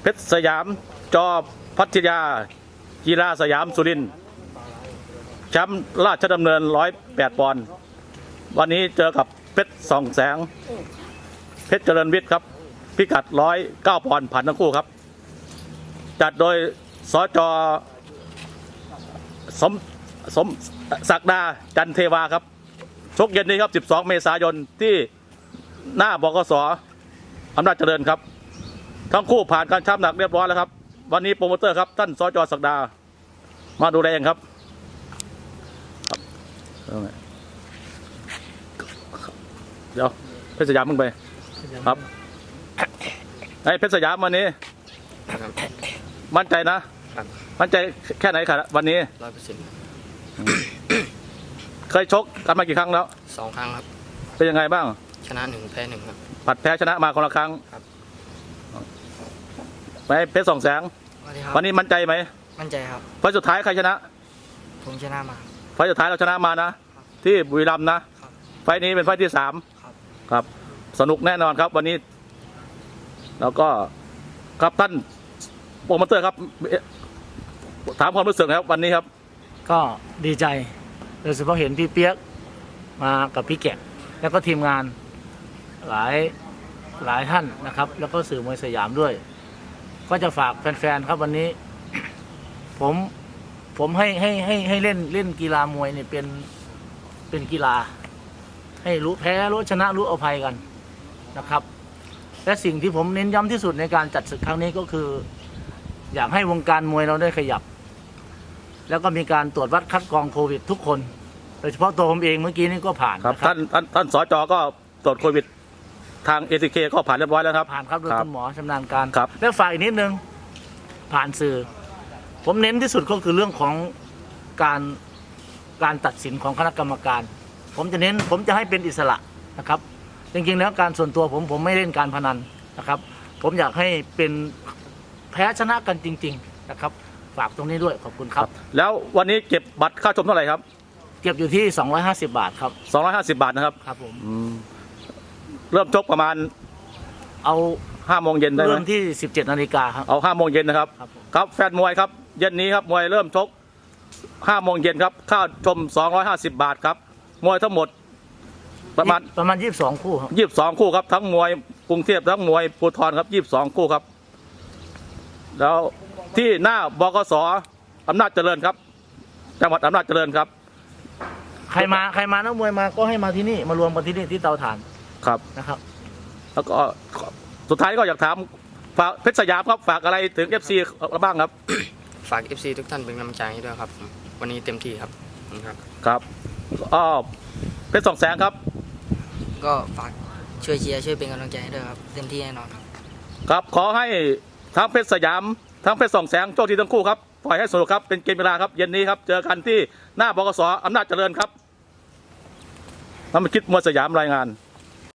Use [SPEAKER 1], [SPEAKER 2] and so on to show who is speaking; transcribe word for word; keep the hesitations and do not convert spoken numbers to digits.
[SPEAKER 1] เพชรสยามจอพัทยากีฬาสยามสุรินทร์แชมป์ราชดำเนินร้อยแปดปอนด์วันนี้เจอกับเพชรสองแสงเพชรเจริญวิทย์ครับพิกัดร้อยเก้าปอนด์ผ่านทั้งคู่ครับจัดโดยสจสมสมศักดาจันเทวาครับชกเย็นนี้ครับสิบสองเมษายนที่หน้าบกส.อำนาจเจริญครับทั้งคู่ผ่านการชั่งน้ำหนักเรียบร้อยแล้วครับวันนี้โปรโมเตอร์ครับท่านสจศักดามาดูแลเองครับเดี๋ยวเพชรสยามมึงไปครับไอ้เพชรสยามวันนี้มั่นใจนะมั่นใจแค่ไหนครับวันนี้
[SPEAKER 2] ร้อยเปอร์เซ็นต์
[SPEAKER 1] เคยชกกันมากี่ครั้งแล้ว
[SPEAKER 2] สองครั้งครับ
[SPEAKER 1] เป็นยังไงบ้าง
[SPEAKER 2] ชนะหนึ่งแพ้หนึ่งครับ
[SPEAKER 1] ผัดแพ้ชนะมาคนละครั้ง
[SPEAKER 2] ครับ
[SPEAKER 1] ไปเพชรสองแสงวันนี้มั่นใจไหม
[SPEAKER 2] มั่นใจครับ
[SPEAKER 1] ไฟสุดท้ายใครชนะ
[SPEAKER 2] ผมชนะมา
[SPEAKER 1] ไฟสุดท้ายเราชนะมานะที่บุรีรัมย์นะไฟนี้เป็นไฟที่สามครับสนุกแน่นอนครับวันนี้แล้วก็ครับท่านโปรโมเตอร์ครับถามความรู้สึกครับวันนี้ครับ
[SPEAKER 3] ก็ดีใจโดยเฉพาะเห็นพี่เปียกมากับพี่แกะแล้วก็ทีมงานหลายหลายท่านนะครับแล้วก็สื่อมวยสยามด้วยก็จะฝากแฟนๆครับวันนี้ผมผมให้ให้ให้ให้เล่นเล่นกีฬามวยเนี่ยเป็นเป็นกีฬาให้รู้แพ้รู้ชนะรู้อภัยกันนะครับและสิ่งที่ผมเน้นย้ำที่สุดในการจัดศึกครั้งนี้ก็คืออยากให้วงการมวยเราได้ขยับแล้วก็มีการตรวจวัดคัดกรองโควิดทุกคนโดยเฉพาะตัวผมเองเมื่อกี้นี่ก็ผ่าน
[SPEAKER 1] ครับท่านท่านท่านสจก็ตรวจโควิดทาง เอ ที เค ก็ผ่านเรียบร้อยแล้วครับ
[SPEAKER 3] ผ่านครับโดยคุณหมอชำนาญการ
[SPEAKER 1] ครับ
[SPEAKER 3] และฝ่ายอีกนิดนึงผ่านสื่อผมเน้นที่สุดก็คือเรื่องของการการตัดสินของคณะกรรมการผมจะเน้นผมจะให้เป็นอิสระนะครับจริงๆแล้วการส่วนตัวผมผมไม่เล่นการพนันนะครับผมอยากให้เป็นแพ้ชนะกันจริงๆนะครับฝากตรงนี้ด้วยขอบคุณครับ
[SPEAKER 1] แล้ววันนี้เก็บบัตรค่าชมเท่าไหร่ครับ
[SPEAKER 3] เก็บอยู่ที่สองร้อยห้าสิบบาทครับ
[SPEAKER 1] สองร้อยห้าสิบบาทนะครับ
[SPEAKER 3] ครับผม
[SPEAKER 1] เริ่มชกประมาณ
[SPEAKER 3] เอา
[SPEAKER 1] ห้าโมงเย็นได้ไหม
[SPEAKER 3] เริ่มที่สิบเจ็ดนาฬิกาครับ
[SPEAKER 1] เอาห้าโมงเย็นนะครับครับแฟนมวยครับเย็นนี้ครับมวยเริ่มชกห้าโมงเย็นครับค่าชมสองร้อยห้าสิบบาทครับมวยทั้งหมดประมาณ
[SPEAKER 3] ประมาณยี่สิบสองคู่ครับ
[SPEAKER 1] ยี่สิบสองคู่ครับทั้งมวยกรุงเทพทั้งมวยภูธรครับยี่สิบสองคู่ครับแล้วที่หน้าบกส.อำนาจเจริญครับจังหวัดอำนาจเจริญครับ
[SPEAKER 3] ใครมาใครมานักมวยมาก็ให้มาที่นี่มารวมกันที่นี่ที่เตาถ่าน
[SPEAKER 1] ครับ
[SPEAKER 3] นะครับ
[SPEAKER 1] แล้วก็สุดท้ายก็อยากถามฝากเพชรสยามครับฝากอะไรถึง เอฟ ซี บ้างครับ
[SPEAKER 2] ฝาก เอฟ ซี ทุกท่านเป็นกำลังใจให้ด้วยครับวันนี้เต็มที่ครับครับ
[SPEAKER 1] ครับอ้อเพชรสองแสงครับ
[SPEAKER 2] ก็ฝากช่วยเชียร์ช่วยเป็นกำลังใจให้ด้วยครับเต็มที่แน่นอนครับ
[SPEAKER 1] ครับขอให้ทั้งเพชรสยามทั้งเพชรสองแสงโชคดีทั้งคู่ครับปล่อยให้สนุกครับเป็นเกมเวลาครับเย็นนี้ครับเจอกันที่หน้าบกส.อำนาจเจริญครับน้ำมันคิดมวยสยามรายงาน